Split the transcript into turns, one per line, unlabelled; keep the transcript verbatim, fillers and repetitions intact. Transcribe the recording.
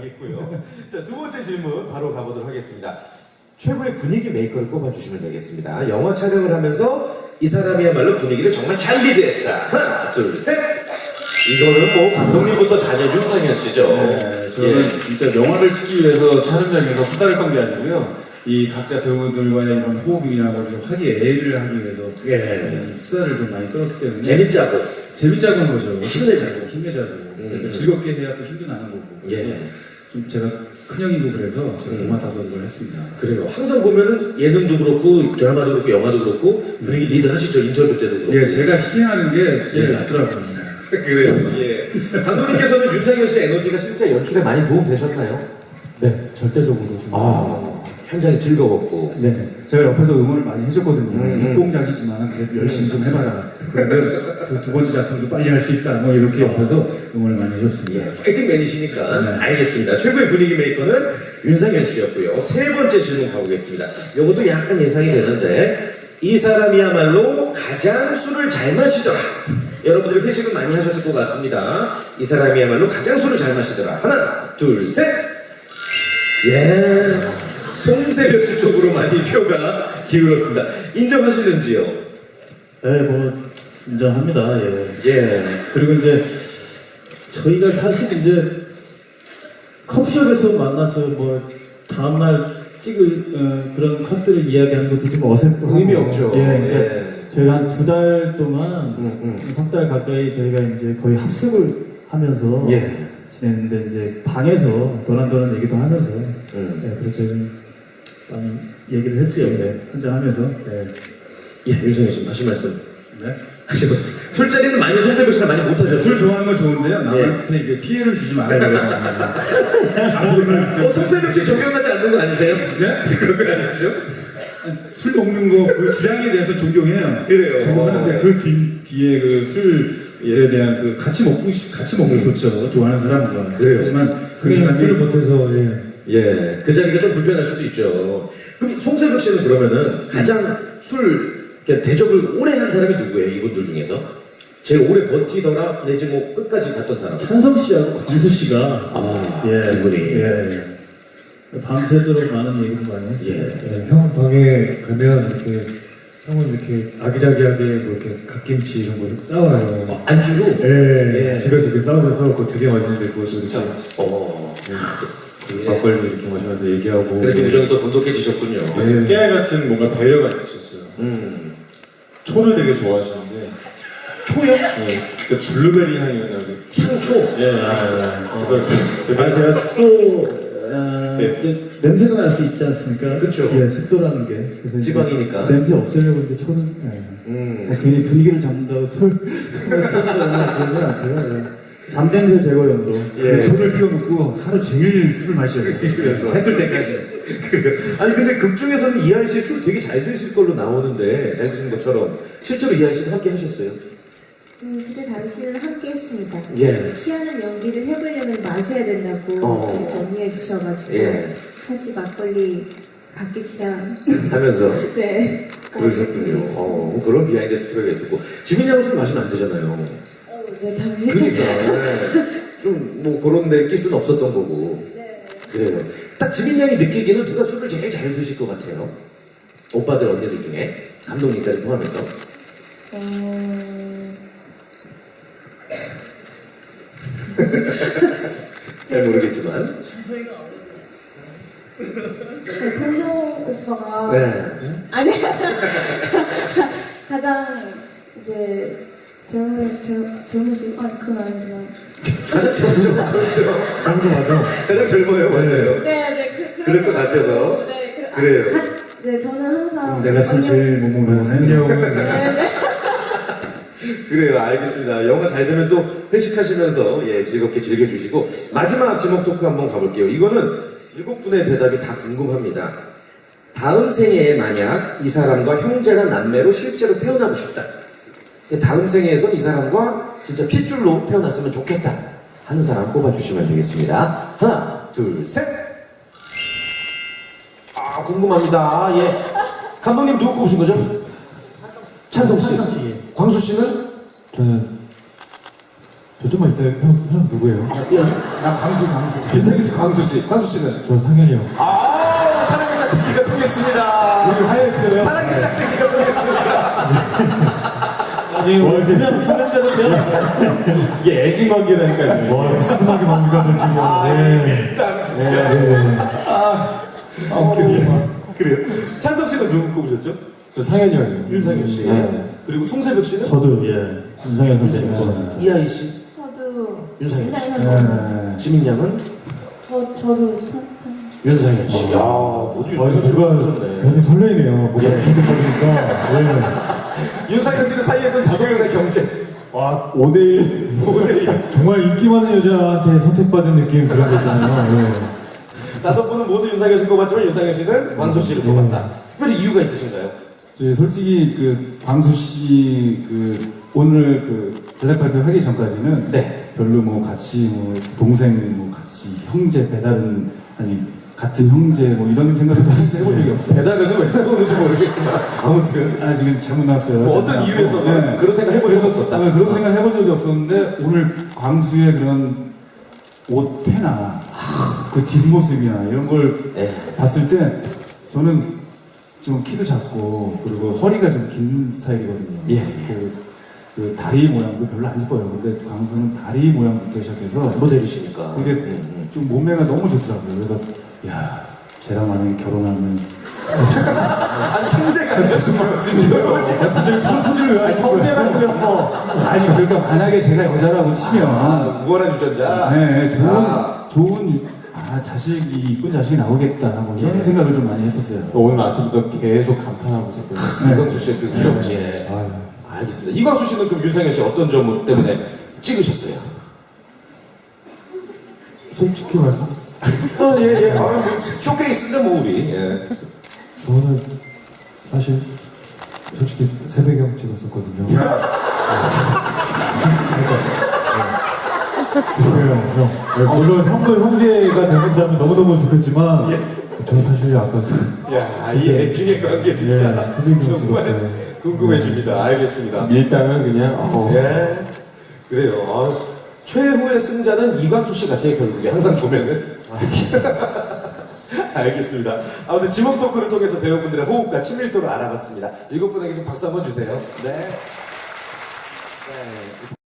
있고요. 자, 두 번째 질문 바로 가보도록 하겠습니다. 최고의 분위기 메이커를 꼽아주시면 되겠습니다. 영화 촬영을 하면서 이 사람이야말로 분위기를 정말 잘 리드했다. 하나, 둘, 셋! 이거는 뭐 감독님부터 다녀 윤상현 씨죠.
네, 저는
예.
진짜 영화를 찍기 위해서 촬영장에서 수다를 떤 게 아니고요. 이 각자 배우들과의 이런 호흡이나 뭐 이런 화기애애를 하기 위해서
예.
네, 수다를 좀 많이 떨었기 때문에
재밌자고.
재밌자는 거죠.
힘내자고.
힘내자고.
음.
즐겁게 해야 또 힘도 나는 거고.
예.
좀 제가 큰형이고 그래서 제가
음.
도맡아서 이걸 했습니다.
그래요. 항상 보면은 예능도 그렇고 드라마도 그렇고 영화도 그렇고 분위기 리드 하시죠. 인터뷰 때도 그렇고.
예, 제가 희생하는 게 제일
예.
낫더라고요.
그래요. 예. 감독님께서는 윤상현 씨의 에너지가 실제 연출에 많이 도움 되셨나요?
네, 절대적으로 좀.
아, 현장이 즐거웠고.
네, 제가 옆에서 응원을 많이 해줬거든요.
음.
똥작이지만 그래도 열심히 좀 해봐라. 그러면 그 두 번째 작품도 빨리 할 수 있다. 뭐 이렇게 옆에서 응원을 많이 해줬습니다.
예, 파이팅맨이시니까.
네.
알겠습니다. 최고의 분위기 메이커는 윤상현 씨였고요. 세 번째 질문 가보겠습니다. 이것도 약간 예상이 되는데, 이 사람이야말로 가장 술을 잘 마시더라. 여러분들이 회식을 많이 하셨을 것 같습니다. 이 사람이야말로 가장 술을 잘 마시더라. 하나, 둘, 셋! 예. 송세벽 씨 쪽으로 많이 표가 기울었습니다. 인정하시는지요?
네, 뭐, 인정합니다. 예.
예.
그리고 이제, 저희가 사실 이제, 커피숍에서 만나서 뭐, 다음날 찍을 어, 그런 컷들을 이야기하는 것도 좀 어색하고.
의미 없죠.
예, 그러니까
예.
저희가 한 두 달 동안,
음, 음.
석 달 가까이 저희가 이제 거의 합숙을 하면서
예.
지냈는데, 이제 방에서 도란도란 얘기도 하면서,
음.
예, 그렇게 좀 많이 얘기를 했죠. 네, 한잔 하면서. 예.
예, 윤성현 씨, 하신 말씀.
네?
하시고 술자리는 많이 송세벽 씨랑 많이 못하셨어요.
술 좋아하는 건 좋은데요. 남한테 이게 피해를 주지 말아요.
어, 송세벽 씨 존경하지 않는 거 아니세요?
네?
그런 거 아니시죠?
술 먹는 거 그 기량에 대해서 존경해요.
그래요.
존경하는데 그 뒤, 뒤에 그 술에 대한 그 같이 먹고 싶- 같이 먹는 거 좋죠. 좋아하는 사람과.
그래요.
하지만 그
그냥
사람이
술을 못해서, 예.
예, 그 자리가 좀 불편할 수도 있죠. 그럼 송세벽 씨는 그러면은 가장 술 이렇게 대접을 오래 한 사람이 누구예요? 이분들 중에서? 제일 오래 버티더라 내지 뭐 끝까지 갔던 사람?
찬성 씨하고 광수 씨가
아,
예,
두 분이.
예, 예. 밤새도록 많은 얘기를 많이 했어요.
예.
네, 형 방에 가면 이렇게 형은 이렇게 아기자기하게 뭐 이렇게 갓김치 이런 거 싸와요.
어, 안주로?
예,
예.
집에서 이렇게 싸워서 그거 되게 맛있는데 그것도 이렇게
어.
그 막걸리 이렇게 마시면서 얘기하고.
그래서 우정이 또 돈독해지셨군요.
예.
깨알 같은 뭔가 배려가 있으셨어요.
음.
초를 되게 좋아하시는데,
초요?
예, 그 블루베리 향이 나는.
향초?
예, 맞아요. 그래서
아니, 제가 숙소, 어,
네.
이제 냄새가 날 수 있지 않습니까?
그쵸.
예, 숙소라는 게. 그래서 이제
지방이니까.
냄새 없애려고 이제 초는, 예.
음.
뭐 괜히 분위기를 잡는다고 술, 그런 건 아니고요. 예. 잠냄새 제거용으로.
예.
손을 피워놓고 하루 종일 술을 마셔요.
드시면서 해뜰 때까지. 그래요. 아니 근데 극 중에서는 이하이 씨 술 되게 잘 드실 걸로 나오는데 잘 드시는 것처럼 실제로 이하이 씨는 함께 하셨어요?
음, 그때 당시는 함께 했습니다.
예.
취하는 연기를 해보려면 마셔야 된다고
어.
이렇게 건의해 주셔가지고
예.
같이 막걸리 갓김치랑
하면서
네.
그러셨군요. 어, 그런 비하인드 스토리가 있었고 지민 양은 술 마시면 안 되잖아요.
어, 네, 당연히.
그러니까 좀 뭐 그런 데 낄 수는 없었던 거고.
네.
그래요. 딱 지민 양이 느끼기에는 누가 술을 제일 잘 드실 것 같아요. 오빠들 언니들 중에 감독님까지 포함해서.
어...
잘 모르겠지만.
네, 동동 오빠가
네.
아니 가장 이제 젊은 젊- 젊으신 아 그건 아니지만
가장 젊죠, 젊죠.
깡도 맞아.
가장 젊어요, 맞아요.
네네 그,
그럴 것 같아서.
네, 그,
그래요.
아, 가, 네 저는 항상
내가 술 제일 못 먹는 한영은
네네
그래요, 알겠습니다. 영화 잘 되면 또 회식하시면서 예, 즐겁게 즐겨주시고 마지막 지목 토크 한번 가볼게요. 이거는 일곱 분의 대답이 다 궁금합니다. 다음 생애에 만약 이 사람과 형제나 남매로 실제로 태어나고 싶다. 다음 생애에서 이 사람과 진짜 핏줄로 태어났으면 좋겠다 하는 사람 꼽아주시면 되겠습니다. 하나, 둘, 셋. 아, 궁금합니다. 예, 감독님 누구 꼽으신 거죠? 찬성 씨.
찬성 씨.
광수 씨는?
저는 저 좀만 이따 형, 형 누구예요?
나 광수 광수.
윤상현 씨, 광수 씨. 광수 씨는?
저 상현이 형.
아, 사랑의 짝대기가 통했습니다.
우리 하였어요.
사랑의 짝대기가 통했습니다.
아니, 뭐, 그냥 사람대로 돼요.
이게 애증 관계라니까요.
와, 비스듬하게 만가들 중에.
아,
네.
일단 진짜.
네.
아, 그래요. 그래요. 찬성 씨는 누구 꼽으셨죠?
저 상현이 형이요.
윤상현 씨.
네.
그리고 송세벽 씨는?
저도, 예. 윤상현 선생님.
이하이 씨.
저도
윤상현 씨.
윤상현 씨.
지민 양은?
저 저도 선- 선-
윤상현 씨. 야, 모두
아, 이거 제가 괜히 설레이네요. 뭐가 기득거리니까. 네.
윤상현 씨는 사이에 있던 자성연의 경쟁.
와, 오 대 일.
오 대 일.
정말 인기 많은 여자한테 선택받은 느낌 그런 거 있잖아요. 네.
다섯 분은 모두 윤상현 씨 꼽았지만 윤상현 씨는 광수 씨를 꼽았다. 특별히 이유가 있으신가요?
저희 솔직히 그 광수 씨 그 오늘 그 제작 발표하기 전까지는
네.
별로 뭐 같이 뭐 동생 뭐 같이 형제 배달은 아니 같은 형제 뭐 이런 생각을 해본 적이 없어요.
배달은 왜 그런지 모르겠지만 아무튼
아 지금 잘못 나왔어요.
뭐 어떤
제가.
이유에서
네.
그런 생각 해본 적이 없었다.
아, 그런 생각 해본 적이 없었는데 오늘 광수의 그런 옷태나 그 뒷모습이나 이런 걸
네.
봤을 때 저는 좀 키도 작고 그리고 허리가 좀 긴 스타일이거든요.
예.
그, 그 다리 모양도 별로 안 이뻐요. 근데 광수는 다리 모양부터 시작해서
모델이시니까.
그게
음,
좀 몸매가 너무 좋더라고요. 그래서 야 쟤랑 만약에 결혼하면
음. 아니 형제가 아니라 스물였습니다.
갑자기 프로포즈를 왜 하시는 거예요?
형제라고요. 뭐.
아니 그러니까 만약에 제가 여자라고 치면
아, 무한한 유전자.
네, 좋은,
아.
좋은, 아, 자식이, 이쁜 자식이 나오겠다. 뭐 이런
예.
생각을 좀 많이 했었어요.
오늘 아침부터 계속 감탄하고 있었거든요.
이광수 씨의 그 기럭지.
아유.
알겠습니다. 이광수 씨는 그럼 윤상현 씨 어떤 점 때문에 찍으셨어요?
솔직히 말씀,
아, 예, 예. 아, 뭐, 쇼케이스인데 뭐 우리. 예.
저는 사실 솔직히 새배경 찍었었거든요. 네. 그래요, 형. 네, 물론 형도 형제가 되면 너무너무 좋겠지만, 저는 사실 아까
야, 이 애증의 관계 진짜
예, 새배경
정말
찍었어요.
궁금해집니다. 알겠습니다.
일단은 그냥 어,
예. 그래요. 아, 최후의 승자는 이광수 씨 같아요, 결국에. 항상 보면은. 알겠습니다. 아무튼 지목 토크를 통해서 배우분들의 호흡과 친밀도를 알아봤습니다. 일곱 분에게 좀 박수 한번 주세요. 네. 네.